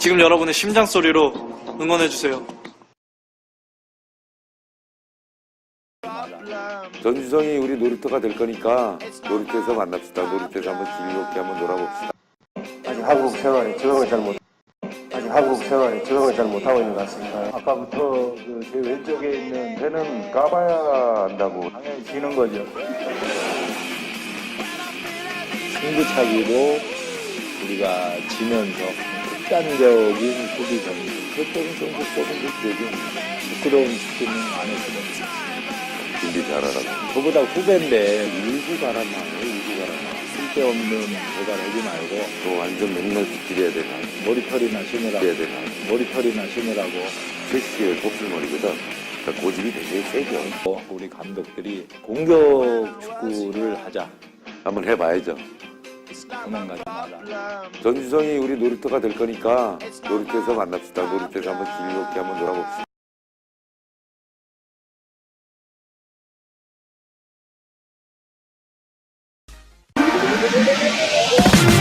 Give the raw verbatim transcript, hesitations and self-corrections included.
지금 여러분의 심장 소리로 응원해주세요. 전주성이 우리 놀이터가 될 거니까 놀이터에서 만납시다. 놀이터에서 한번 즐겁게 한번 놀아봅시다. 아직 한국 생활에 적응을 잘 못, 아직 한국 생활에 적응을 잘 못하고 있는 것 같습니다. 아까부터 그 제 왼쪽에 있는 배는 까봐야 안다고 당연히 지는 거죠. 승부차기로 우리가 지면서 극단적인 수비 전술, 그때는 좀 그때는 그때죠. 부끄러운 축구는 안 했거든요. 준비 잘하라고. 저보다 후배인데 일구 가라마, 일구 가라마. 쓸데없는 대가를 하지 말고 또 완전 맨날 지키려야 되나. 머리털이나 심으라고. 해야 되나. 머리털이나 심으라고. 최씨의 곱슬머리거든. 그러니까 고집이 되게 세죠. 우리 감독들이 공격 축구를 하자. 한번 해봐야죠. 도망가지 마라. 전주성이 우리 놀이터가 될 거니까 놀이터에서 만납시다. 놀이터에서 한번 즐겁게 한번 놀아봅시다. We'll be right back.